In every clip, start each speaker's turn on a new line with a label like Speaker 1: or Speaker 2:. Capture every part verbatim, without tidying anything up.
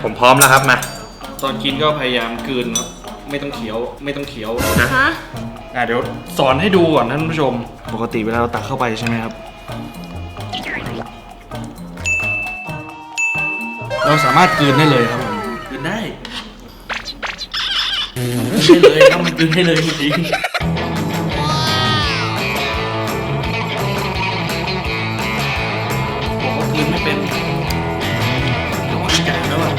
Speaker 1: ผมพร้อมแล้วครับมา
Speaker 2: ตอนกินก็พยายามกลืนครับไม่ต้องเคี้ยวไม่ต้องเคี้ยว
Speaker 3: นะฮะ
Speaker 2: อ่ะเดี๋ยวสอนให้ดูก่อนท่านผู้ชมปกติเวลาเราตักเข้าไปใช่ไหมครับเราสามารถกลืนได้เลยครับผมกลืนได้กลืนได้เลยครับมันกลืนได้เลยจริงๆบอกว่ากลืนไม่เป็นเดี๋ยวว่าใจแล้วอ่ะ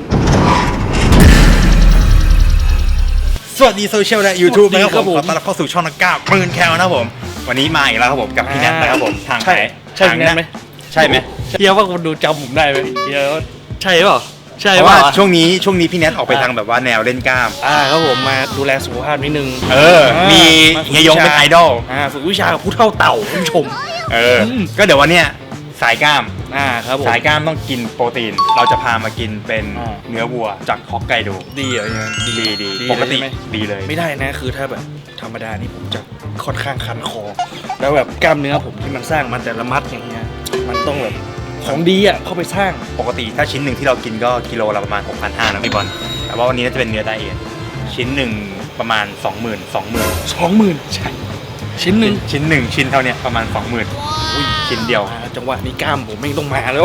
Speaker 1: สวัสดีโซเชียลและ YouTube นะครับผมขอต้อนรับเข้าสู่ช่องนักกล้าปืนแคลนะครับผมวันนี้มาอีกแล้วครับผมกับพี่แนทนะครับผมทางไหน
Speaker 2: ใช่พี่แนทไหม
Speaker 1: ใช่ไหม
Speaker 2: เฮียว่าคนดูจำผมได้ไหมเฮียว่าใช่เปล่าใช่
Speaker 1: เพราะว่าช่วงนี้ช่วงนี้พี่แนทออกไปทางแบบว่าแนวเล่นกล้าม
Speaker 2: อ่าครับผมมาดูแลสุขภาพนิดนึง
Speaker 1: เออมีเฮียยงเป็นไอดอล
Speaker 2: อ่าฝึกวิชากับผู้เฒ่าเต่าผู้ชม
Speaker 1: เออก็เดี๋ยววันเนี้ยสายกล้าม
Speaker 2: อ่าครับผม
Speaker 1: สายกล้ามต้องกินโปรตีนเราจะพามากินเป็นเนื้อวัวจากฮอกไกโด
Speaker 2: ดีเหรอเนี่ย
Speaker 1: ดีดีปกติดีเลย
Speaker 2: ไม่ได้นะคือถ้าแบบธรรมดานี่ผมจะค่อนข้างคันคอแล้วแบบกล้ามเนื้อผมที่มันสร้างมันแต่ละมัดอย่างเงี้ยมันต้องแบบของดีอ่ะเข้าไปสร้าง
Speaker 1: ปกติถ้าชิ้นหนึ่งที่เรากินก็กิโลละประมาณ หกพันห้าร้อย นะพี่บอลแต่ว่าวันนี้น่าจะเป็นเนื้อไดเอทชิ้นหนึ่งประมาณ สองหมื่น สองหมื่น
Speaker 2: สองหมื่นใช่ชิ้นหนึ่ง
Speaker 1: ชิ้นหนึ่งชิ้นเท่านี้ประมาณ สองหมื่น อุ้ยชิ้นเดียว
Speaker 2: จังหวะนี้กล้ามผมไม่ต้องมาแล้ว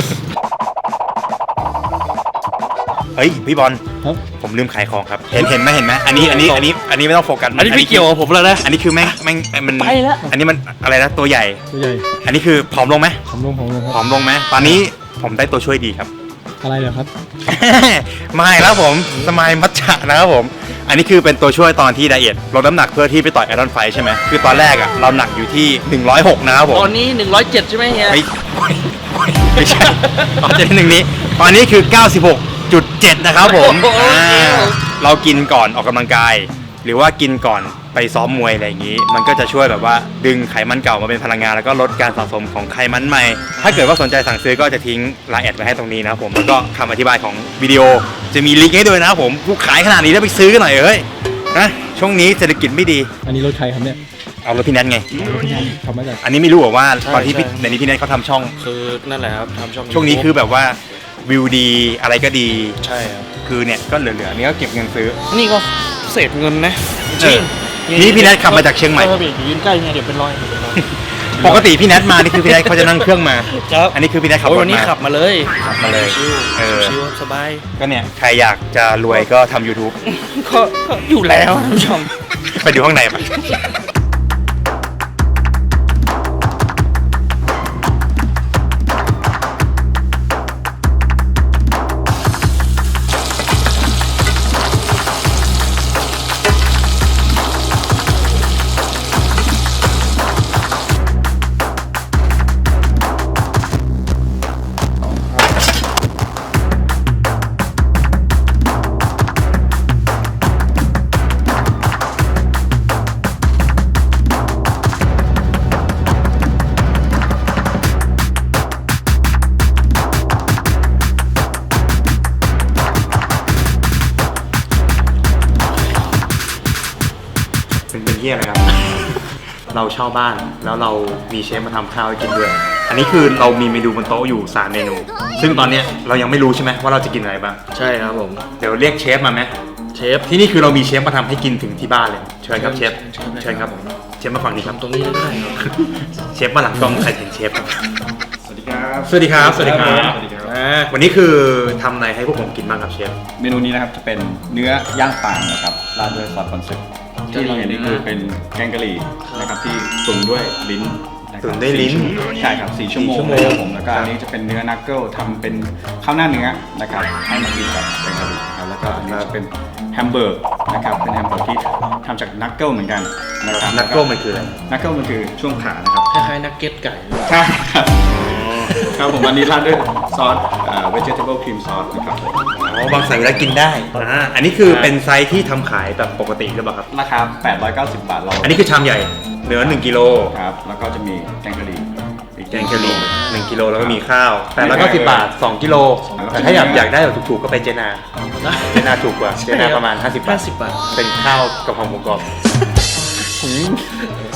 Speaker 1: เฮ้ยพี่บอลผมลืมขายของครับเห็นเห็นไหมเห็นไหมอันนี้อันนี้อันนี้อันนี้ไม่ต้องโฟกัส
Speaker 2: อันนี้ไม่เกี่ยวกับผมแล้วนะ
Speaker 1: อันนี้คือแม่งแม่งมัน
Speaker 3: ไปแล้ว
Speaker 1: อันนี้มันอะไรนะตัวใหญ่
Speaker 3: ตัวใหญ่
Speaker 1: อันนี้คือผอมลงไหม
Speaker 3: ผอมลงผอมลง
Speaker 1: ผอมลงไหมตอนนี้ผมได้ตัวช่วยดีครับ
Speaker 3: อะไรเหรอครับ
Speaker 1: ไม่แล้วผมสมัยมัทฉะนะครับผมอันนี้คือเป็นตัวช่วยตอนที่ไดเอทลดน้ำหนักเพื่อที่ไปต่อยไอรอนไฟใช่ไหมคือตอนแรกอ่ะเราหนักอยู่ที่หนึ่งร้อยหกนะครับผม
Speaker 2: ตอนนี้หนึ่งร้อยเจ็ดใช่ไหมเฮีย
Speaker 1: ไม่ใช่ตอนที่หนึ่งนี้ตอนนี้คือเก้าสิบหกจุดเจ็ดนะครับผมเรากินก่อนออกกำลังกายหรือว่ากินก่อนไปซ้อมมวยอะไรอย่างนี้มันก็จะช่วยแบบว่าดึงไขมันเก่ามาเป็นพลังงานแล้วก็ลดการสะสมของไขมันใหม่ถ้าเกิดว่าสนใจสั่งซื้อก็จะทิ้งไลน์แอดไว้ให้ตรงนี้นะครับผมแล้วก็คำอธิบายของวิดีโอจะมีลิงก์ให้ด้วยนะครับผมผู้ขายขนาดนี้แล้วไปซื้อกันหน่อยเฮ้ยนะช่วงนี้เศรษฐกิจไม่ดี
Speaker 3: อันนี้รถใครครับเนี่ย
Speaker 1: เอารถพี่แนทไง
Speaker 3: ทำมาจาก
Speaker 1: อันนี้ไม่รู้ว่าตอนที่ในนี้พี่แนทเขาทำช่อง
Speaker 2: คือนั่นแหละครับทำช่อง
Speaker 1: ช่วงนี้คือแบบว่าวิวดีอะไรก็ดี
Speaker 2: ใช่ครับ
Speaker 1: คือเนี่ยก็เหลือๆนี่ก็เก็บเงินซื้อ
Speaker 2: นี่ก็เศษเงินนะจริง
Speaker 1: นี่พี่แนทขับมาจากเชียงใหม่
Speaker 2: ยืนใกล้เนี่ยเดี๋ยวเป็นรอย
Speaker 1: ปกติพี่แนทมานี่คือพี่แนทเขาจะนั่งเครื่องมา
Speaker 2: ครับ
Speaker 1: อันนี้คือพี่แนทขับรถมา
Speaker 2: วันนี้ขับมาเลย
Speaker 1: ขับมาเลย
Speaker 2: เออชิวสบาย
Speaker 1: ก็เนี่ยใครอยากจะรวยก็ทำ YouTube
Speaker 2: ก็อยู่แล้วท่านผู้ชม
Speaker 1: ไปดูข้างในปะเป็นเหี้ยอะไรครับเราเช่าบ้านแล้วเรามีเชฟมาทำข้าวให้กินด้วยอันนี้คือเรามีเมนูบนโต๊ะอยู่สามเมนูซึ่งตอนนี้เรายังไม่รู้ใช่ไหมว่าเราจะกินอะไรบ้าง
Speaker 2: ใช่ครับผม
Speaker 1: เดี๋ยวเรียกเชฟมาไหม
Speaker 2: เชฟ
Speaker 1: ที่นี่คือเรามีเชฟมาทำให้กินถึงที่บ้านเลยเชิญครับเชฟเชิญครับเชฟมาฝั่งนี้ครับ
Speaker 2: ตรงนี้ได้ครับ
Speaker 1: เชฟมาหลังกล้องใครเห็นเชฟ
Speaker 4: สวัสดีครับ
Speaker 1: สวัสดีครับสวัสดีครับวันนี้คือทำอะไรให้พวกผมกินบ้างครับเชฟ
Speaker 4: เมนูนี้นะครับจะเป็นเนื้อย่างป่างนะครับราดด้วยซอสคอนเซ็ปต์ที่เราเห็นนี่คือเป็นแกงกะหรี่นะครับที่ตุ๋นด้วยลิ้น
Speaker 1: ตุ๋นด้วยลิ้น
Speaker 4: ใช่ครับสี่ชั่วโมงนะครับผมแล้วก็อันนี้จะเป็นเนื้อนักเกิลทำเป็นข้าวหน้าเนื้อนะครับให้มากินกับแกงกะหรี่ครับแล้วก็อันนี้จะเป็นแฮมเบอร์กนะครับเป็นแฮมเบอร์กที่ทำจากนักเกิลเหมือนกันนะครับ
Speaker 1: นักเกิลมันคืออะไร
Speaker 4: นักเกิลมันคือช่วงขานะครับ
Speaker 2: คล้ายๆนักเก็ตไก่
Speaker 4: ใช่ครับครับผมอันนี้ราดด้วยซอสเอ่อ vegetable cream sauce นะครับ
Speaker 1: อ๋อบางใส่แล้วกินได้อ่าอันนี้คือเป็นไซส์ที่ทำขายแบบปกติหรือเปล่าครับ
Speaker 4: ราคาแปดร้อยเก้าสิบบาทเรา
Speaker 1: อันนี้คือชามใหญ่เนื้อหนึ่งกิโล
Speaker 4: ครับแล้วก็จะมีแกงกะหรี่
Speaker 1: แกงกะหรี่หนึ่งกิโลแล้วก็มีข้าวแปดร้อยเก้าสิบบาทสองกิโลแต่ถ้าอยากอยากได้แบบถูกๆก็ไปเจนาเจนาถูกกว่าเจนาประมาณห้าสิบบาทเป็นข้าวกะเพราหมูกรอบ
Speaker 2: สุด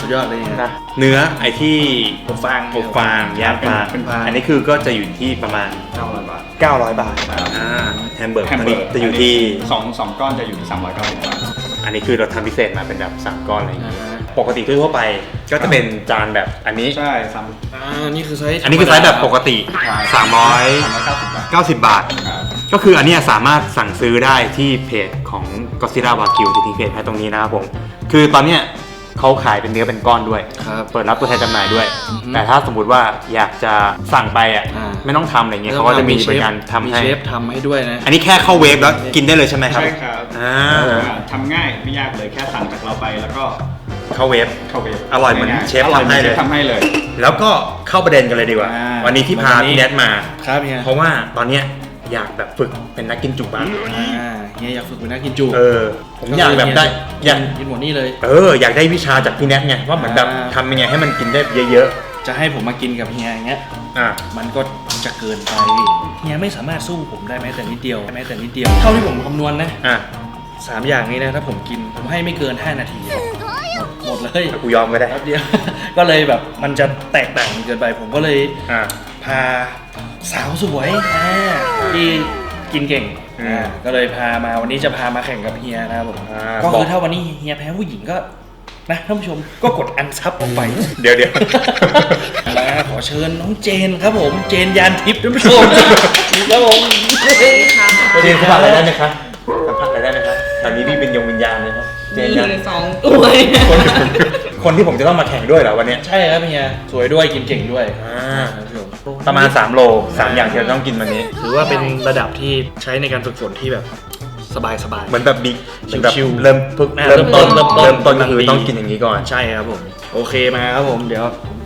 Speaker 2: ยอดเลยนะ
Speaker 1: นะเนื้อไอ้ที่
Speaker 2: อบฟาง
Speaker 1: อบฟางย่างฟาง
Speaker 2: เป็นฟาง
Speaker 1: อันนี้คือก็จะอยู่ที่ประมาณ
Speaker 4: เก้าร้อยบาท
Speaker 1: เก้าร้อยบาท
Speaker 4: ครับ
Speaker 1: อ่าแฮมเบอร์ก
Speaker 4: แฮมเบอร์
Speaker 1: จะอยู่ที่
Speaker 4: สองสองก้อนจะอยู่ที่สามร้อยเก้าสิบบาท
Speaker 1: อันนี้คือเราทำพิเศษมาเป็นแบบสามก้อนอะไรอย่าง
Speaker 2: อ่า
Speaker 1: เงี้ย
Speaker 2: ฮะ
Speaker 1: ปกติทั่วๆไปก็จะเป็นจานแบบอันนี้
Speaker 4: ใช่สาม
Speaker 2: อ่านี่คือไซส์
Speaker 1: อันนี้คือไซส์แบบปกติ สามร้อย
Speaker 4: สามร้อยเก้าสิบบาท
Speaker 1: เก้าสิบบาท
Speaker 4: ครับ
Speaker 1: ก็คืออันเนี้ยสามารถสั่งซื้อได้ที่เพจของ Godzilla Wagyu ที่ทิ้งเพจให้ตรงนี้นะครับผม คือตอนเนี้ยเขาขายเป็นเนื้อเป็นก้อนด้วย
Speaker 2: ครับ
Speaker 1: เปิดรับตัวแทนจำหน่ายด้วย
Speaker 2: อือฮึ
Speaker 1: แต่ถ้าสมมุติว่าอยากจะสั่งไปอ่ะ
Speaker 2: อ่า
Speaker 1: ไม่ต้องทำอะไรเงี้ยเขาก็จะมีบริการทำ
Speaker 2: มี
Speaker 1: ให้
Speaker 2: เชฟทำให้ด้วยนะ
Speaker 1: อันนี้แค่เข้าเวฟแล้วกินได้เลยใช่ไหมครับ
Speaker 4: ใช่ครับ
Speaker 1: อ่า
Speaker 4: อ่าทำง่ายไม่ยากเลยแค่สั่งจากเราไปแล้วก็
Speaker 1: เข้าเวฟ
Speaker 4: เข้าเวฟ
Speaker 1: อร่อยเหมือน
Speaker 4: ง่าๆ
Speaker 1: เชฟ
Speaker 4: อร่อย
Speaker 1: ทำให้เลย
Speaker 4: ชฟทำให้เลย
Speaker 1: แล้วก็เข้าประเด็นกันเลยดีกว่า
Speaker 4: อ่า
Speaker 1: วันนี้ที่พา
Speaker 2: วันนี้
Speaker 1: พี่แนทมา
Speaker 2: ครับเฮีย
Speaker 1: เพราะว่าตอนเนี้ยอยากแบบฝึกเป็นนักกินจุบ้าง
Speaker 2: อ่าเฮียอยากฝึกเป็นนักกินจุ
Speaker 1: เออ ผมอยากแบบได้อยาก
Speaker 2: กินหมดนี่เลย
Speaker 1: เอออยากได้วิชาจากพี่แนทไงว่าเหมือนแบบ
Speaker 2: อ่า
Speaker 1: ทำยังไงให้มันกินได้เยอะ
Speaker 2: จะให้ผมมากินกับเฮียอย่างเงี้ย
Speaker 1: ๆอ่ะ
Speaker 2: มันก็จะเกินไปเฮียไม่สามารถสู้ผมได้แม้แต่นิดเดียวแม้แต่นิดเดียว เท่าที่ผมคำนวณนะ
Speaker 1: อ่ะ
Speaker 2: สามอย่างนี้นะถ้าผมกินผมให้ไม่เกินห้านาทีหมดหมดเลย
Speaker 1: กูยอมก็ได้
Speaker 2: แป๊บเดียว ก็เลยแบบมันจะแตกต่างกันเกินไป ผมก็เลย
Speaker 1: อ่ะ
Speaker 2: พาสาวสวยอ่าที่กินเก่ง
Speaker 1: อืม
Speaker 2: อ่าก็เลยพามาวันนี้จะพามาแข่งกับเฮียนะครับผม
Speaker 1: อ่า
Speaker 2: ก็
Speaker 1: บ
Speaker 2: คือ อก ถ้าวันนี้เฮียแพ้ผู้หญิงก็นะท่านผู้ชมก็กดอันซับออกไป
Speaker 1: เดี๋ยวเดี๋ยว
Speaker 2: มาขอเชิญน้องเจนครับผม เจนยานทิพย์ท่านผู้ชมครับผม
Speaker 1: เจนสัมผัสอะไรได้ไหมครับสัมผัสอะไรได้ไหมครับตอนนี้พี่เป็นยงวิญญาณเลยครับเจนยัง
Speaker 5: มีสองตัว
Speaker 1: คนคนที่ผมจะต้องมาแข่งด้วยเหรอวันเนี้ย
Speaker 2: ใช่ครับเฮียสวยด้วยกินเก่งด้วย
Speaker 1: อ่า
Speaker 2: ท่านผู้ชม
Speaker 1: ประมาณสามโลสามอย่างที่เราต้องกินวันนี้
Speaker 2: ถือว่าเป็นระดับที่ใช้ในการฝึกฝนที่แบบสบายสบาย
Speaker 1: เหมือนแบบบิ๊กเหมือนแบบ
Speaker 2: ชิวๆ
Speaker 1: เริ่มพึก
Speaker 2: อ่า
Speaker 1: เริ่มต้น
Speaker 2: เริ่มต้น
Speaker 1: เริ่มต้นก็คือ
Speaker 2: ดี
Speaker 1: ต้องกินอย่างนี้ก่อน
Speaker 2: ใช่ครับผม โอเคมาครับผมเดี๋ยว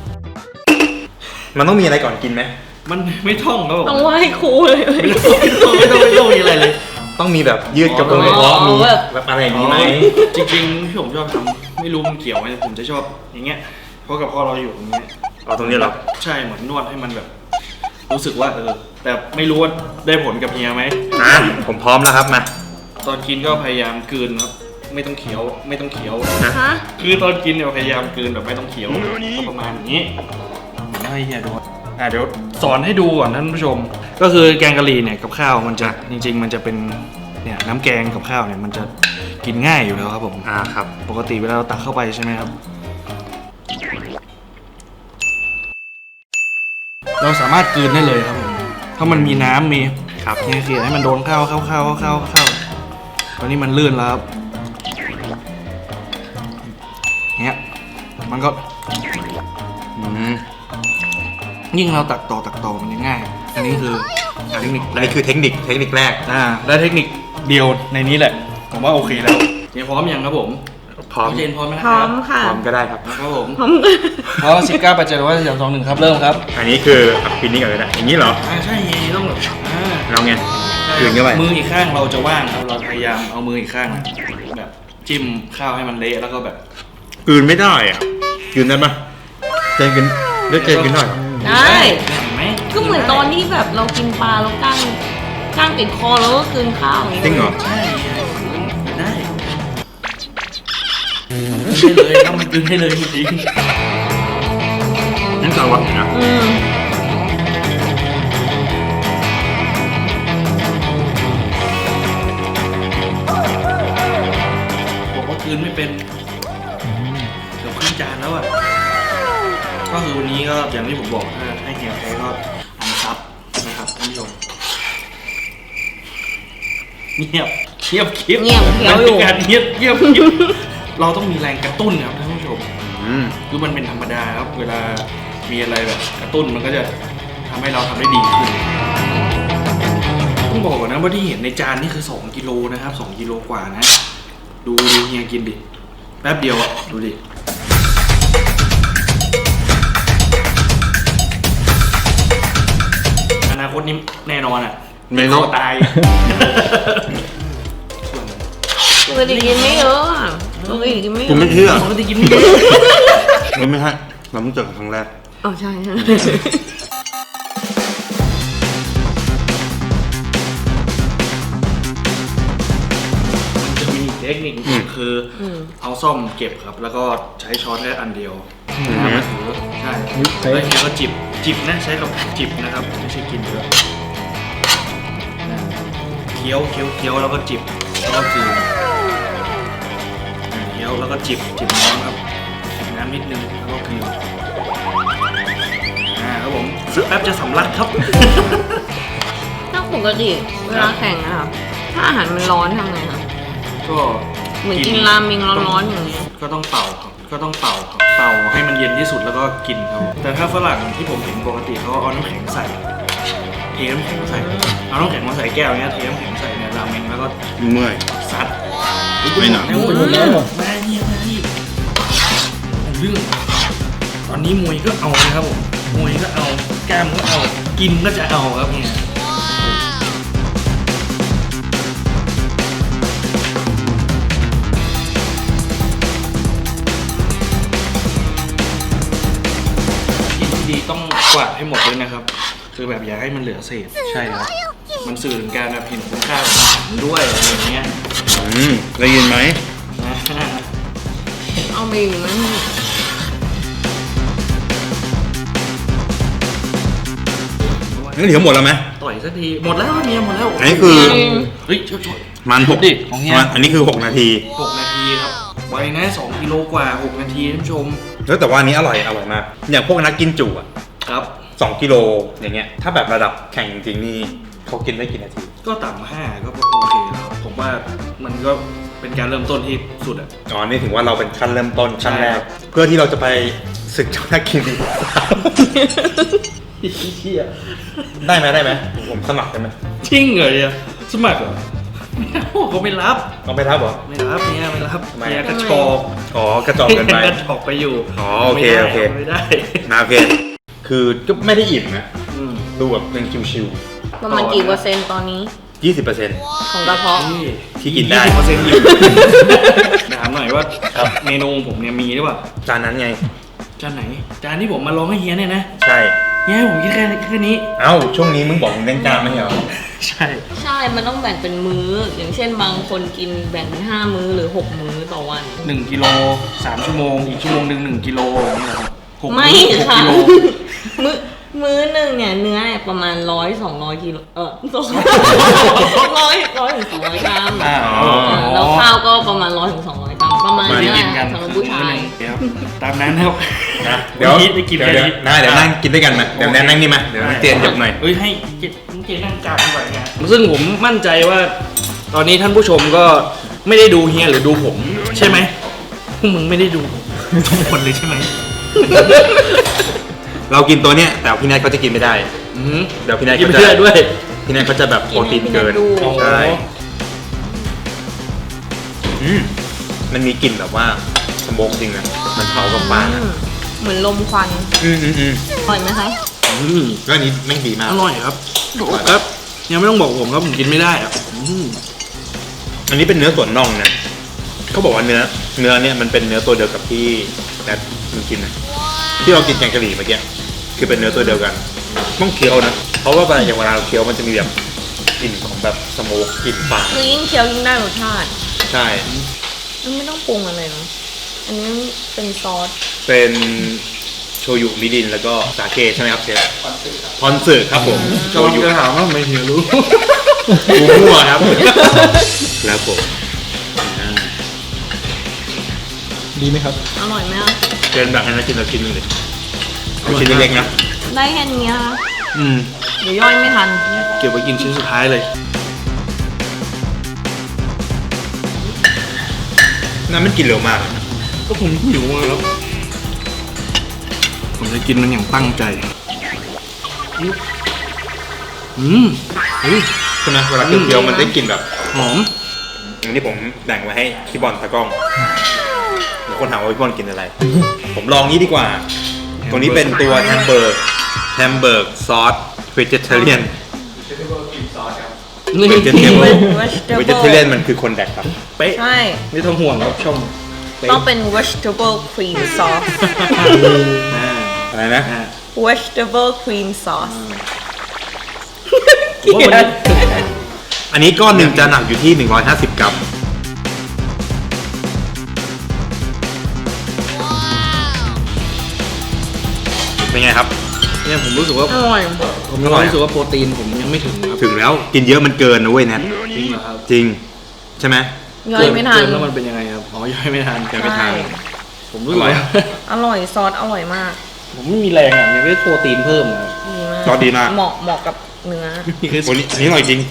Speaker 1: มันต้องมีอะไรก่อนกินไหม
Speaker 2: มันไม่ท่องครับผม
Speaker 5: ต้องไหว้ครูเลย
Speaker 2: ไม่ต้องไม่ต้องไม่ต้องมีอะไรเลย
Speaker 1: ต้องมีแบบยืดกระโปรงกระเพาะ
Speaker 5: อ๋อ
Speaker 1: มี
Speaker 5: แบบ
Speaker 1: แบบอะไรอย่างนี้ไหม
Speaker 2: จริงๆที่ผมชอบทำไม่รู้มันเกี่ยวไหมผมจะชอบอย่างเงี้ยเพราะกับพ่อเราอยู่อย่างเงี้ย
Speaker 1: เอาตรงนี้เหรอ
Speaker 2: ใช่เหมือนนวดให้มันแบบ รู้สึกว่าเออ แต่ไม่รู้ว่าได้ผลกับเฮียไหม
Speaker 1: อ่ะผมพร้อมแล้วครับมา
Speaker 2: ตอนกินก็พยายามกลืนครับไม่ต้องเคี้ยวไม่ต้องเคี้ยว
Speaker 5: ฮะ
Speaker 2: คือตอนกินเนี่ยพยายามกลืนแบบไม่ต้องเคี้ยวก็ประมาณอย่างนี้ผมให้เฮียดูอ่ะเดี๋ยวสอนให้ดูก่อนท่านผู้ชม ก็คือแกงกะหรี่เนี่ยกับข้าวมันจะจริง ๆ มันจะเป็นเนี่ยน้ำแกงกับข้าวเนี่ยมันจะกินง่ายอยู่แล้วครับผม
Speaker 1: อ่าครับ
Speaker 2: ปกติเวลาเราตักเข้าไปใช่ไหมครับ เราสามารถกลืนได้เลยครับผมถ้ามันมีน้ำมี
Speaker 1: ครับ
Speaker 2: เนี่ยคือให้มันโดนข้าวเข้าเข้าเข้าเข้าเข้าตอนนี้มันลื่นแล้วครับเนี่ยมันก็
Speaker 1: อืม
Speaker 2: ยิ่งเราตักต่อตักต่อมันจะง่าย อันนี้คือเทคนิค
Speaker 1: อันนี้คือเทคนิคเทคนิคแรก
Speaker 2: อ่าและเทคนิคเดียวในนี้แหละ ผมว่าโอเคแล้วเจนพร้อมยังครับผม
Speaker 1: พร้อม
Speaker 2: เจนพร้อมไหมนะ
Speaker 5: พ
Speaker 2: ค
Speaker 5: ร้อ
Speaker 2: รับ
Speaker 5: มค่ะ
Speaker 1: พร้อมก็ได้ครับ
Speaker 2: ครับผม
Speaker 5: พร้อม
Speaker 2: พร้อมสิบเก้าปัจจัยว่าสามสองหนึ่งครับเริ่มครับ
Speaker 1: อันนี้คืออ่ะปินนี่ก่อนเลยนะอย่างนี้เหรอ
Speaker 2: อ่าใช่เฮียต้องแบบอ่า
Speaker 1: เราไงคืนเข้าไป
Speaker 2: มืออีกข้างเราจะว่างครับเราพยายามเอามืออีกข้างอะแบบจิ้มข้าวให้มันเละแล้วก็แบบ
Speaker 1: กลืนไม่ได้อ่ะกลืนได้ปะเจนกินได้เจนกินหน่อยเหรอ
Speaker 5: ได้
Speaker 2: เห็นไหม
Speaker 5: ก็เหมือนตอนที่แบบเรากินปลาแล้วก้างก้างติดคอแล้วก็กลืนข้าวอย่างนี้
Speaker 1: จริงเหรอ
Speaker 2: ใช่ได้ได้เลยต้องมันกินให้เลยจริง
Speaker 1: นั่นสารวัตรนะ
Speaker 5: อืม
Speaker 2: ๆบอกว่ากินไม่เป็นเกือบครึ่งจานแล้วอ่ะก็คือวันนี้ก็อย่างที่ผมบอกถ้าให้เฮียแพ้ก็อันซับนะครับท่านผู้ชมเงียบเงียบคลิป
Speaker 5: เงียบเขียวอยู่
Speaker 2: มันเป็นการเงียบเงียบคลิปเราต้องมีแรงกระตุ้นครับท่านผู้ชม
Speaker 1: อืม
Speaker 2: คือมันเป็นธรรมดาครับ เวลามีอะไรแบบกระตุ้นมันก็จะทำให้เราทำได้ดีขึ้นต้องบอกก่อนนะว่าที่เห็นในจานนี่คือสองกิโลนะครับสองกิโลกว่านะ ดูดูเฮียกินดิ แป๊บเดียวอ่ะ ดูดิ อนาคตนี้แน่นอนอ่ะ
Speaker 1: ไม่รู้
Speaker 2: คอตาย
Speaker 5: ปกติกินไม่เยอะอะปกติกินไม่เย
Speaker 1: กู
Speaker 5: อะ
Speaker 1: ไม่เชื่อ
Speaker 2: ปกติกินไม่เยอะ
Speaker 1: ไม่ไม่ใช่เราเพิ่งเจอกันครั้งแรก
Speaker 5: อ๋อใช่ใช่
Speaker 2: จะมีอีกเทคนิค
Speaker 1: อืม
Speaker 2: คืออ
Speaker 5: ม
Speaker 2: เอาซ่อมเก็บครับ แล้วก็ใช้ช้อนแค่อันเดียว
Speaker 1: อืม
Speaker 2: น้ำมาถือใช่
Speaker 3: อุ๊ยใช้
Speaker 2: แล้วทีก็จิบจิบนะใช้กับจิบนะครับไม่ใช่กินเยอะอ่าเคี้ยวเคี้ยวเคี้ยวแล้วก็จิบแล้วก็กลืนอ่าเคี้ยวแล้วก็จิบจิบน้ำครับจิบน้ำนิดนึงแล้วก็กลืนอ่าครับผมสักแป๊บจะสำลักครับ
Speaker 5: ถ้าปกติเวลาแข่งอะค่ะถ้าอาหารมันร้อนทำไงคะ
Speaker 2: ก็
Speaker 5: เหมือนกินราเมงร้อนๆอย่างเงี้ย
Speaker 2: ก็ต้องเป่าครับก็ต้องเป่าครับเป่าให้มันเย็นที่สุดแล้วก็กินครับแต่ถ้าฝรั่งที่ผมเห็นปกติเขาเอาน้ำแข็งใส่เทน้ำแข็งใส่เอาน้ำแข็งมาใส่แก้วเนี้ยเทน้ำแข็งใส่ในราเมงแล้วก็
Speaker 1: เมื่อย
Speaker 2: ซัด
Speaker 1: ไม่หนัก
Speaker 2: แล้ว
Speaker 3: หมดแล้วเหรอ
Speaker 2: มาเนี่ยมาที่เรื่องตอนนี้มวยก็เอานะครับผมมวยก็เอากล้ามก็เอากินก็จะเอาครับเนี่ยกินที่ดีต้องกวาดให้หมดเลยนะครับ คือแบบอย่าให้มันเหลือเศษใช่ครับมันสื่อถึงการแบบเห็นคุณค่าของอาหารด้วยอะไรอย่างเงี้ย
Speaker 1: อืมได้ยินไหม
Speaker 5: เอาไปอยู่มัน
Speaker 1: งั้นเดี๋ยวหมดแล้วไหม
Speaker 2: ต่อยสักทีหมดแล้วเมียหมดแล้ว
Speaker 1: อันนี้คือ
Speaker 2: เฮ้ยช่วยช่วย
Speaker 1: มันหก
Speaker 2: ดิของเฮีย
Speaker 1: มันอันนี้คือหกนาที
Speaker 2: หกนาทีครับไวนะสองกิโลกว่าหกนาทีท่านผู้ชม
Speaker 1: แล้วแต่ว่าอันนี้อร่อยอร่อยมาก อย่างพวกนักกินจุอ่ะ
Speaker 2: ครับ
Speaker 1: สองกิโลอย่างเงี้ย ถ้าแบบระดับแข่งจริงๆนี่เขากินได้กี่นาที
Speaker 2: ก็ต่ำห้าก็โอเคแล้วผมว่ามันก็เป็นการเริ่มต้นที่สุดอ่ะ
Speaker 1: อ๋อ นี่ถึงว่าเราเป็นขั้นเริ่มต้นขั้นแรก
Speaker 2: ใช่ครับ
Speaker 1: เพื่อที่เราจะไปศึกเจ้านักกินดี
Speaker 2: เชี่ย
Speaker 1: ได้ไหมได้ไหมผมสมัครได้ไหม
Speaker 2: จริงเหรอเนี่ยสมัครเหรอไม่เอาเขาไม่รับ
Speaker 1: ต้องไปทับเหรอ
Speaker 2: ไม่รับเนี่ยไม่รับ
Speaker 1: ทำไม
Speaker 2: เนี่ยกระชอก
Speaker 1: อ๋อกระจอกเกินไป
Speaker 2: กระชอกไปอยู่
Speaker 1: อ๋อโอเค
Speaker 2: ไม่ได้
Speaker 1: โอเค
Speaker 2: ไม่ได้
Speaker 1: นะโอเค คือก็ไม่ได้อิ่มนะ
Speaker 2: อืม
Speaker 1: ดูแบบยังชิว
Speaker 5: ประมาณกี่เปอร์เซ็นต์ตอนนี้
Speaker 1: ๆยี่สิบเปอร์เซ็นต์
Speaker 5: ของกระเพาะ
Speaker 1: ที่กินได้
Speaker 2: ยี่สิบเปอร์เซ็นต์อยู่ถามหน่อยว่า
Speaker 1: ครับ
Speaker 2: เมนูผมเนี่ยมีหรือเปล่า
Speaker 1: จานนั้นไง
Speaker 2: จานไหน จานที่ผมมาลองให้เฮียเนี่ยนะ
Speaker 1: ใช่
Speaker 2: เฮียให้ผมกินแค่แค่นี้
Speaker 1: เอ้า ช่วงนี้มึงบอกมึงเล่นจานไม่ใช่เหรอ
Speaker 2: ใช่
Speaker 5: ใช่ มันต้องแบ่งเป็นมื้อ อย่างเช่นบางคนกินแบ่งเป็นห้ามื้อหรือหกมื้อต่อวัน
Speaker 2: หนึ่งกิโลสามชั่วโมง อีกชั่วโมงหนึ่งหนึ่งกิโลอย่างนี้เหรอครับหก
Speaker 5: ไม่
Speaker 2: หก
Speaker 5: ค่ะ
Speaker 2: กิโล
Speaker 5: มื้อมื้อหนึ่งเนี่ยเนื้อเนี่ยประมาณร้อยสองร้อยกิโลเออสองร้อยร้อยถึงสองร้อยกรัม
Speaker 2: อ่า
Speaker 1: อ๋อ
Speaker 5: อ่าแล้วข้าวก็ประมาณร้อยถึงสองร้อยกรัมประมาณ
Speaker 2: มา
Speaker 5: นี้แห
Speaker 2: กิ
Speaker 5: ละ
Speaker 2: นกัน
Speaker 5: สำหรับผู้ชาย
Speaker 2: ครับตามนั้นครับ
Speaker 1: นะเดี๋ยว
Speaker 2: ได้กิน
Speaker 1: เดี๋ยว
Speaker 2: แค่
Speaker 1: เดี๋ยว
Speaker 2: นี้
Speaker 1: นะเดี๋ยวนั่งกินด้วยกันมาเดี๋ยวแนนนั่งนี่มาเดี๋ยวเตียนหยบหน่อย
Speaker 2: เฮ้ยให้เจเจนั่งกลางดีกว่าเนี่ยซึ่งผมมั่นใจว่า ตอนนี้ท่านผู้ชมก็ไม่ได้ดูเฮียหรือดูผม ใช่ไหมพวกมึงไม่ได้ดูผมทุกคนเลยใช่ไหม
Speaker 1: เรากินตัวเนี้ยแต่พี่แนทเขาจะกินไม่ได้
Speaker 2: อืม
Speaker 1: เดี๋ยวพี่แนท
Speaker 2: กิน
Speaker 1: เขา
Speaker 2: ไป
Speaker 1: จะ
Speaker 2: เรื่อยด้วย
Speaker 1: พี่แนทเขาจะแบบโปรตีนเกิน
Speaker 5: กินให้พี่แนทดู
Speaker 1: ใช่อืมมันมีกลิ่นแบบว่าสโมกจริงนะมันเผากับปลา
Speaker 5: อื
Speaker 1: นะ
Speaker 5: มเหมือนลมควัน
Speaker 1: อืมอืมอืม
Speaker 5: อร่อยไหมคะ
Speaker 2: อืม
Speaker 1: แล้วอันนี้แม่งดีมาก
Speaker 2: อร่อยครับครับยังไม่ต้องบอกผมครับผมกินไม่ได้อ่ะอืม
Speaker 1: อันนี้เป็นเนื้อส่วนน่องนะเขาบอกว่าเนื้อเนื้อเนี่ยมันเป็นเนื้อตัวเดียวกับที่แนทมันกินนะที่เรากินแกงกะหรี่เมื่อกี้คือเป็นเนื้อตัวเดียวกันต้องเคี้ยวนะเพราะว่าเวลาอย่างเวลาเราเคี้ยวมันจะมีแบบกลิ่นของแบบสโมกกลิ่นปลา
Speaker 5: คือยิ่งเคี้ยวยิ่งได้รสชาติ
Speaker 1: ใช่
Speaker 5: มันไม่ต้องปรุงอะไรเนาะอันนี้เป็นซอส
Speaker 1: เป็นโชยุมิรินแล้วก็สาเกใช่ไหมครับเชฟพอนสึครับผมโช
Speaker 2: กำลัง
Speaker 1: ยุ
Speaker 2: จะถามว่าทำไมเฮียรู้
Speaker 1: กูมั่วครับแล้วผมอ่า
Speaker 3: ดีไหมครับ
Speaker 5: อร่อยไหมคะ
Speaker 1: เชิญแบบให้นักกินเรากินหนึ่งเลยเอาชิ้นเล็กๆนะ
Speaker 5: ได้แค่นี้ค่ะ
Speaker 2: อืม
Speaker 5: เดี๋ยวย่อยไม่ทัน
Speaker 2: เก็บไว้กินชิ้นสุดท้ายเลย
Speaker 1: น้ำมันกินเร็วมาก
Speaker 2: ก็ผมหิวอะครับ ผมจะกินมันอย่างตั้งใจ อืมเฮ้ย
Speaker 1: ใช่ไหมเวลาเคี้ยวๆมันได้กลิ่นแบบ
Speaker 2: หอม
Speaker 1: อันนี้ผมแบ่งไว้ให้พี่บอลตากล้องเดี๋ยวคนถามว่าพี่บอลกินอะไร ผมลองนี้ดีกว่า ตัวนี้เป็นตัวแฮมเบอร์กแฮมเบอร์กซอสเวจิเทเรียน
Speaker 2: นี่
Speaker 1: เวจิเทเบิล
Speaker 5: vegetable
Speaker 1: เวจิเทเรียนมันคือคนแดกครับ
Speaker 2: เป๊ะ
Speaker 5: ใช่
Speaker 2: ไม่ต้องห่วงครับชมเป๊ะ
Speaker 5: ต้องเป็น vegetable cream sauce
Speaker 2: อ่า
Speaker 1: อะไรนะ
Speaker 2: อ่า
Speaker 5: vegetable cream sauce
Speaker 2: ผมว่าวันนี้
Speaker 1: อันนี้ก้อนหนึ่งจะหนักอยู่ที่หนึ่งร้อยห้าสิบกรัมเป็นไงครับ
Speaker 2: เนี่ยผมรู้สึกว่า
Speaker 5: อร่อย
Speaker 2: ผมมีความรู้สึกว่าโปรตีนผมยังไม่ถึงครับ
Speaker 1: ถึงแล้วกินเยอะมันเกินนะเว้ยแนท
Speaker 2: จริงเหรอครับ
Speaker 1: จริงใช่ไหม
Speaker 5: ย่อยไม่ทัน
Speaker 2: เกิแล้วมันเป็นยังไงครับอ๋อย่อยไม่ทัน
Speaker 1: ยังไม่ทาน
Speaker 5: ใช่
Speaker 2: ผมรู้สึกว่า
Speaker 5: อร่อยซอสอร่อยมาก
Speaker 2: ผมไม่มีแรงอ่ะยังได้โปรตีนเพิ่มอะ
Speaker 5: ดีมาก
Speaker 1: ซอสดีมาก
Speaker 5: เหมาะเหมาะกับเนื้อ
Speaker 2: นี่คือ
Speaker 1: โอ้นี่อันนี้อร่อยจริง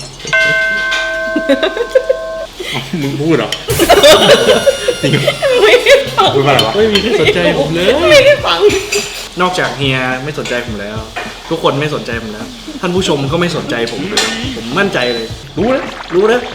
Speaker 1: อ้าวมึงพูดเหรอจริงเหรอ
Speaker 5: ไม่ได้ฟัง
Speaker 1: พูดว่าอะไรวะ
Speaker 2: ไม่มีใครสนใจผมเลย
Speaker 5: ไม่ได้ฟัง
Speaker 2: นอกจากเฮียไม่สนใจผมแล้ว ทุกคนไม่สนใจผมแล้ว ท่านผู้ชมก็ไม่สนใจผมเลยผมมั่นใจเลย รู้นะรู้นะ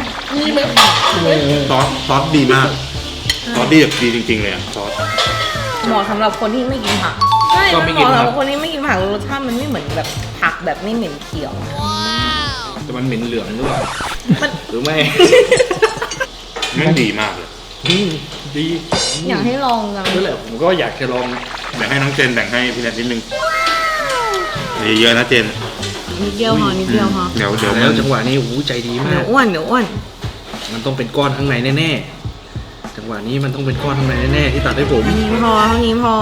Speaker 1: ซอสซอสดีมากซอสดีแบบดีจริงๆเลยอะซอส
Speaker 5: เหมาะสำหรับคนที่ไม่กินผักใช่มันเหมาะสำหรับคนที่ไม่กินผักรสชาติมันไม่เหมือนแบบผักแบบไม่เหม็นเขียว
Speaker 2: แต่มันเหม็นเหลืองหรือเปล่า
Speaker 5: มัน
Speaker 2: หรือไม่
Speaker 1: แม่งดีมากเลย
Speaker 2: อืมดี
Speaker 5: อยากให้ลองจัง
Speaker 2: นั่นแหละผมก็อยากจะลอง
Speaker 1: แบ่งให้น้องเจนแบ่งให้พี่แนทนิดนึงเยอะๆนะเจน
Speaker 5: นิดเดียวพอนิดเดียวพอ
Speaker 1: เดี๋ยวเดี๋ยว
Speaker 2: แล้ว
Speaker 1: มัน
Speaker 2: จังหวะนี้โอ้โหใจดีมา
Speaker 5: เดี๋ย
Speaker 2: ก
Speaker 5: วอ้วนเดี๋ยวอ้วน
Speaker 2: มันต้องเป็นก้อนข้างในแน่ๆจังหวะนี้มันต้องเป็นก้อนข้างในแน่ๆที่ตัดให้ผม
Speaker 5: อันนี้พอเท่านี้พอ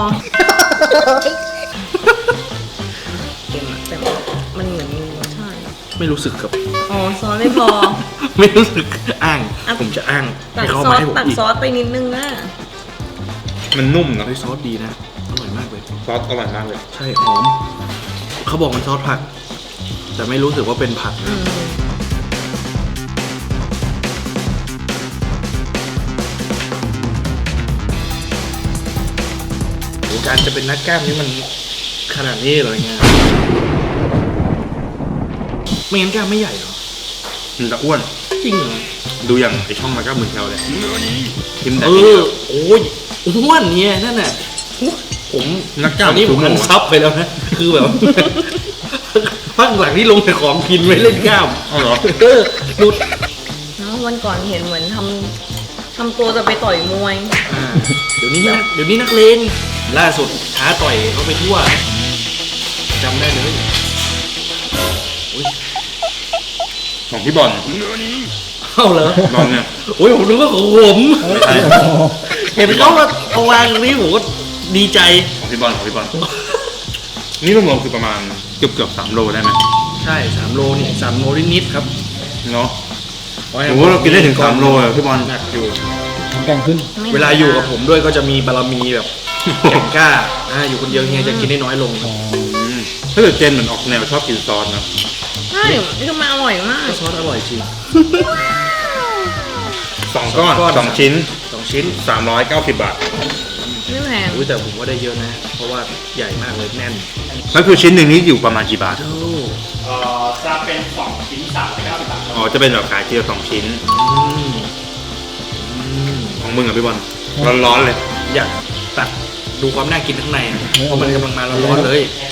Speaker 5: เค็มอะแต่มันเหมือนมีรสชาติ
Speaker 2: ไม่รู้สึกกับ
Speaker 5: อ๋อซอสไม่พอ
Speaker 2: ไม่รู้สึกอ้าง
Speaker 5: อ่ะ
Speaker 2: ผมจะอ้าง
Speaker 5: ตั
Speaker 2: ให้
Speaker 5: ก
Speaker 2: เขา
Speaker 5: ซอ
Speaker 2: มา
Speaker 5: ส
Speaker 2: ให้ผม
Speaker 5: ตัก
Speaker 2: อีก
Speaker 5: ซอสไปนิดนึงนะ
Speaker 1: มันนุ่มเนอะ
Speaker 2: เฮ้ยซอสดีนะอร่อยมากเลย
Speaker 1: ซอสอร่อยมากเลย
Speaker 2: ใช่หอมเขาบอกมันซอสผัก แต่ไม่รู้สึกว่าเป็นผัก
Speaker 5: อื
Speaker 2: นะ
Speaker 5: ม
Speaker 2: โอ้การจะเป็นนักกล้ามนี่มันขนาดนี้เลยไงไม่งั้นกล้ามไม่ใหญ่เหรอ
Speaker 1: มันจะอ้วน
Speaker 2: จริงเหรอ
Speaker 1: ดูอย่างไอช่องมันก็เหมือนแถวเลยทิมแต่
Speaker 2: เอ
Speaker 1: นิดเดี
Speaker 2: อ
Speaker 1: ยว
Speaker 2: โอ้ยอ้วนเนี่ยนั่นน่ะผม
Speaker 1: นักกล้าม
Speaker 2: ตอนนี้ผม
Speaker 1: สูง
Speaker 2: อัน
Speaker 1: หัว
Speaker 2: ซับไปแล้วนะ คือแบบ พักหลังที่ลงแต่ของกินไม่เล่นกล้าม
Speaker 1: อ๋อเหรอ
Speaker 2: เออหลุด
Speaker 5: เนอะวันก่อนเห็นเหมือนทำทำตัวจะไปต่อยมวย
Speaker 2: อ่าเดี๋ยวนี้นักเดี๋ยวนี้นักเลงล่าสุดท้าต่อยเขาไปทั่วจำได้เลย
Speaker 1: ของพี่บอล
Speaker 2: เข้าเหรอบ
Speaker 1: อลเนี่ย
Speaker 2: โอ้ยผมนึกว่าของผม
Speaker 1: ไม่ใช่
Speaker 2: เห็นเขามาเอาวางตรงนี้ผมก็ดีใจ
Speaker 1: ของพี่บอลของพี่บอลนี่รวมๆคือประมาณเกือบเกือบสามโลได้ไหม
Speaker 2: ใช่สามโลเนี่ยสามโลนิดๆครับ
Speaker 1: เนาะ โอ้โหเรากินได้ถึงสามโลเลยพี่บอล
Speaker 2: หนักอยู่
Speaker 3: แกงขึ้น
Speaker 5: ไม่
Speaker 2: เวลาอยู่กับผมด้วยก็จะมีบารมีแบบแข่งกล้าอ่าอยู่คนเดียวเฮียจะกินได้น้อยลง
Speaker 3: อ๋อ
Speaker 1: อืมถ้าเกิดเจนเหมือนออกแนวชอบกินซอสนะ
Speaker 5: ใช่คือมันอร่อยมาก
Speaker 2: ก็ซอสอร่อยจริง
Speaker 1: สองก้อน
Speaker 2: สองก้อน
Speaker 1: สองชิ้น
Speaker 2: สองชิ้น
Speaker 1: สามร้อยเก้าสิบบาท
Speaker 5: ไม่แพง
Speaker 2: อุ้ยแต่ผมว่าได้เยอะนะ เพราะว่าใหญ่มากเลยแน่น
Speaker 1: แล้วคือชิ้นหนึ่งนี้อยู่ประมาณกี่บาท
Speaker 2: โอ้
Speaker 4: เอ่อจะเป็นสองชิ้นสามร้อยเก้าสิบบาท
Speaker 1: อ๋อ จะเป็นแบบขายทีละสองชิ้น
Speaker 2: อืมอืม
Speaker 1: ของมึงอ่ะพี่บอล ร้อนๆเลย
Speaker 2: อยากตัดดูความน่ากินข้างในอะเพราะมันกำลังมาร้อนๆเลย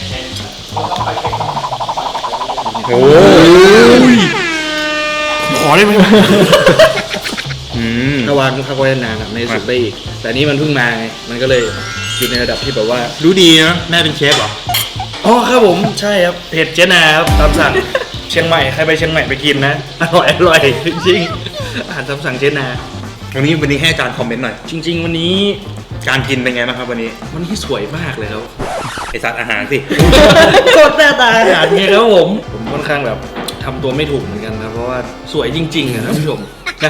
Speaker 1: โอ้ย
Speaker 2: ขอได้ไหม
Speaker 1: อืม
Speaker 2: ถ้าวางพักไว้นานอะไม่สุกได้อีก แต่นี่มันเพิ่งมาไง มันก็เลยอยู่ในระดับที่แบบว่า
Speaker 1: รู้ดีนะ แม่เป็นเชฟเหรอ
Speaker 2: อ๋อครับผมใช่ครับเผ็ดเจนาครับตามสั่ง เชียงใหม่ใครไปเชียงใหม่ไปกินนะ อร่อยอร่อยจริงๆอาหารตามสั่งเจนา
Speaker 1: วันนี้วันนี้ให้อาจารย์คอมเมนต์หน่อย
Speaker 2: จริง ๆ วันนี้
Speaker 1: การกินเป็นไงบ้างครับวันนี้
Speaker 2: วันนี้สวยมากเลยครับ
Speaker 1: ไอสัตว์อาหารสิ
Speaker 2: โคตรหน้าตาอาหารไงครับผม ผมค่อนข้างแบบทำตัวไม่ถูกเหมือนกันนะ เพราะว่าสวยจริงๆอะท่านผู้ชมนะ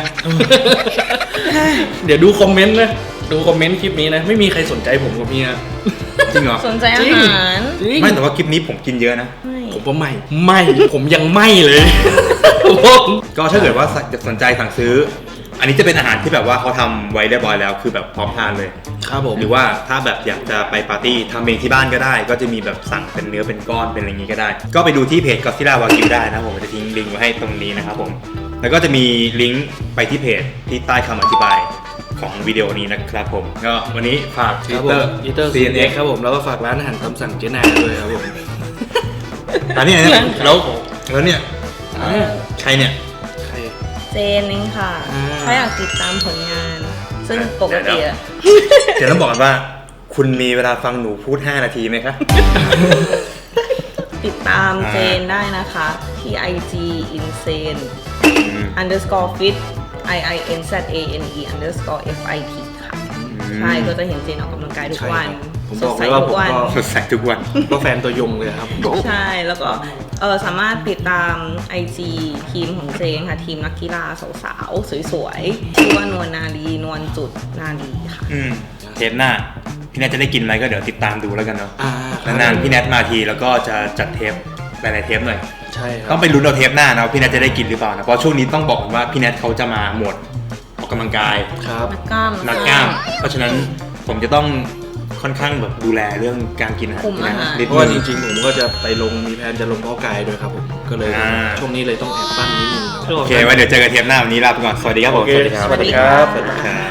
Speaker 2: เดี๋ยวดูคอมเมนต์นะ ดูคอมเมนต์คลิปนี้นะ ไม่มีใครสนใจผมกับเมีย
Speaker 1: จริงเหรอ
Speaker 5: สนใจอา
Speaker 2: จริง
Speaker 5: หาร
Speaker 2: จริง
Speaker 1: ไม่แต่ว่าคลิปนี้ผมกินเยอะนะ
Speaker 5: ไม่
Speaker 2: ผมว่าไม่ไม่ ผมยังไม่เลยผม
Speaker 1: ก็ถ้าเกิดว่าสนใจสั่งซื้อ อันนี้จะเป็นอาหารที่แบบว่าเขาทำไว้เรียบร้อยแล้ว คือแบบพร้อมทานเลย
Speaker 2: ครับผม
Speaker 1: หรือว่าถ้าแบบอยากจะไปปาร์ตี้ทำเองที่บ้านก็ได้ ก็จะมีแบบสั่งเป็นเนื้อเป็นก้อนเป็นอะไรอย่างนี้ก็ได้ ก็ไปดูที่เพจ Godzilla Wagyu ได้นะครับผมจะทิ้งลิงก์ไว้ให้ตรงนี้นะครับผมแล้วก็จะมีลิงก์ไปที่เพจที่ใต้คำอธิบายของวิดีโอนี้นะครับผมก็วันนี้ฝาก
Speaker 2: ครับผม
Speaker 1: Twitter
Speaker 2: อีเตอร์
Speaker 1: ซี
Speaker 2: ซี
Speaker 1: เอ็
Speaker 2: เอ็
Speaker 1: น
Speaker 2: น
Speaker 1: เอ็
Speaker 2: เอ็
Speaker 1: ก
Speaker 2: ก
Speaker 1: ซ์
Speaker 2: ครับผมแล้วก็ฝากร้านอาหารตามสั่งเจนาด้วยครับผม
Speaker 1: อันนี้เนี่ยแล้วแล้วเนี่ย
Speaker 2: อ่า
Speaker 1: ใครเนี่ย
Speaker 2: ใคร
Speaker 5: เจนเองค่ะ
Speaker 2: อ่า
Speaker 5: ถ้าอยากติดตามผลงาน ซึ่งปกติอะ
Speaker 1: เดี๋ยวต้องบอกกันว่า คุณมีเวลาฟังหนูพูดห้านาทีไหมคะ
Speaker 5: ติดตาม
Speaker 1: อ่า
Speaker 5: เจนได้นะคะที่ ไอ จี insane
Speaker 1: อืม
Speaker 5: underscore fit i i n z a n e underscore f i t ค่ะ ใช่ก็จะเห็นเจนออกกำลังกายทุกวัน
Speaker 2: ใช่ครับผมบอกเลยว่าผมก็
Speaker 1: สดใสทุกวัน
Speaker 2: ก็แฟนตัวยงเลยครับ
Speaker 5: ใช่แล้วก็เออสามารถติดตาม ไอ จี ทีมของเจงค่ะ ทีมนักกีฬาสาวๆ สวยๆ ชื่อว่านวลนาลีนวลจุดนาลีค่ะ
Speaker 1: อืมเทปหน้าพี่แนทจะได้กินไหมก็เดี๋ยวติดตามดูแล้วกันเนาะ
Speaker 2: อ่าครับ
Speaker 1: นานๆพี่แนทมาทีแล้วก็จะจัดเทปหลายๆเทปหน่อย
Speaker 2: ใช่ครับ
Speaker 1: ต้องไปลุ้นเอาเทปหน้านะว่าพี่แนทจะได้กินหรือเปล่านะเพราะช่วงนี้ต้องบอกก่อนว่าพี่แนทเขาจะมาหมวดออกกำลังกาย
Speaker 2: ครับ
Speaker 5: นักกล้าม
Speaker 1: นักกล้าม เพราะฉะนั้นผมจะต้องค่อนข้างแบบดูแลเรื่องการกินอาหาร
Speaker 5: คุมอาหาร
Speaker 1: นิด
Speaker 2: เพราะว่าจ
Speaker 1: นึง
Speaker 2: ริงๆผมก็จะไปลงมีแผนจะลงเพาะกายด้วยครับผมก็เลย
Speaker 1: อ่า
Speaker 2: ช่วงนี้เลยต้องแอบปั้นนิดนึง
Speaker 1: โอเคไว้เดี๋ยวเจอกันเทปหน้าวันนี้ลาไปก่อนสวัสดีครับผม
Speaker 2: โอเค
Speaker 1: สวัสดีครับ
Speaker 2: สวัสดีครับ
Speaker 1: สวัสดีครับ